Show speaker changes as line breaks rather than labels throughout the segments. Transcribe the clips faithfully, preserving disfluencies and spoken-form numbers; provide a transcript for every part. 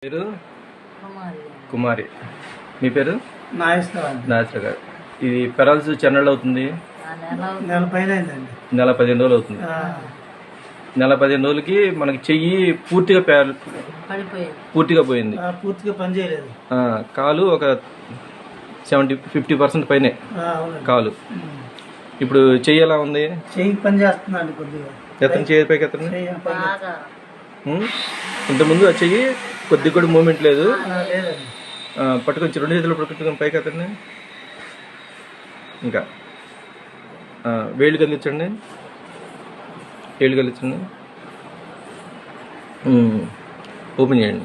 పేరు కుమారి. మీ పేరు? నాగేశ్వర గారు. ఇది పెరాలసిస్ చెన్నెళ్ళు అవుతుంది? నెల పదిహేను రోజులు అవుతుంది. నెల పదిహేను రోజులకి మనకి చెయ్యి పూర్తిగా పూర్తిగా పోయింది,
పూర్తిగా పనిచేయలేదు.
కాలు ఒక సెవెంటీ ఫిఫ్టీ పర్సెంట్ పైనే కాలు. ఇప్పుడు చెయ్యి ఎలా ఉంది?
చెయ్యి పని చేస్తుందండి కొద్దిగా.
ఎత్తని చెయ్యి పైకి ఎత్తండి. ఇంతకుముందు ఆ చెయ్యి కొద్దిగా కూడా మూమెంట్ లేదు. పట్టుకొని రెండు చేతులు పట్టుకొని పైకి ఎత్తండి. ఇంకా వేళ్ళు కదిలించండి, వేళ్ళు కదిలించండి, ఓపెన్ చేయండి.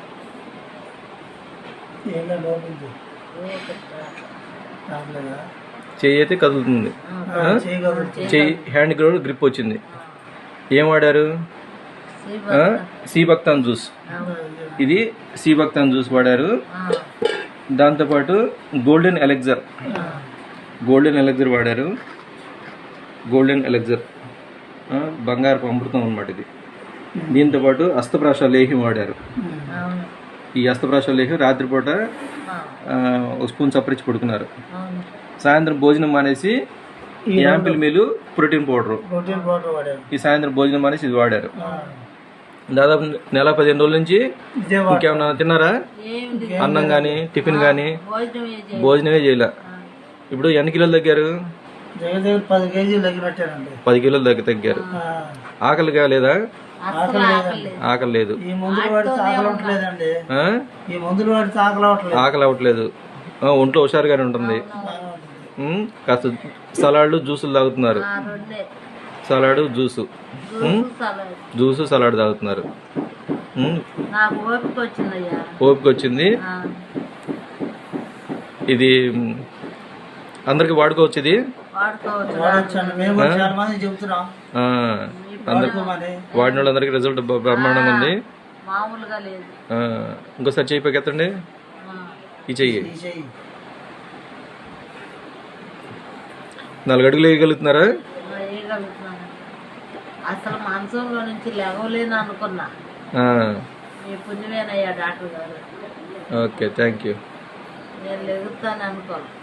చెయ్యి అయితే కదులుతుంది. చెయ్యి హ్యాండ్ కూడా గ్రిప్ వచ్చింది. ఏం వాడారు? Seabuckthorn juice. ఇది సీబక్తాన్ జ్యూస్ వాడారు. దాంతోపాటు గోల్డెన్ ఎలెక్జర్ గోల్డెన్ ఎలెక్జర్ వాడారు. గోల్డెన్ ఎలెక్జర్ బంగారపు అమృతం అన్నమాట ఇది. దీంతోపాటు అస్తప్రాశ లేహ్యం వాడారు. ఈ అస్తప్రాశ లేహ్యం రాత్రిపూట ఒక స్పూన్ చప్పరించి పడుకున్నారు. సాయంత్రం భోజనం మానేసి యాంపిల్ మీలు ప్రోటీన్ పౌడర్ ఈ సాయంత్రం భోజనం మానేసి ఇది వాడారు. దాదాపు నెల పదిహేను రోజుల నుంచి ఇంకేమన్నా తిన్నారా? అన్నం కానీ టిఫిన్ కానీ భోజనమే చేయలే. ఇప్పుడు ఎన్ని కిలోలు తగ్గారు?
పది కేజీలు తగ్గినట్టారండి.
పది కిలోలు దగ్గర తగ్గారు. ఆకలి కాలేదా? ఆకలి లేదు.
ఈ మందులు వాడితే ఆకలి అవ్వట్లేదండి. ఈ మందులు వాడితే ఆకలి అవ్వట్లేదు.
ఆకలి అవ్వట్లేదు. ఒంట్లో హుషారుగానే ఉంటుంది. కాస్త సలాడ్లు జ్యూసులు తాగుతున్నారు. సలాడ్ జ్యూసు జ్యూసు సలాడ్ తాగుతున్నారు. ఓపిక వచ్చింది. ఇది అందరికి వాడుకోవచ్చు. ఇది వాడిన వాళ్ళందరికీ రిజల్ట్ బ్రహ్మాండంగా ఉంది. ఇంకోసారి చెయ్యి పైకి ఎత్తండి. ఈ చెయ్యి నాలుగు అడుగులు వేయగలుగుతున్నారా?
అసలు మంచంలో నుంచి లేవలేను అనుకున్నా. మీ పుణ్యమేనయ్యా డాక్టర్ గారు.
Okay, thank you.
నేను లెగుతాను అనుకోను.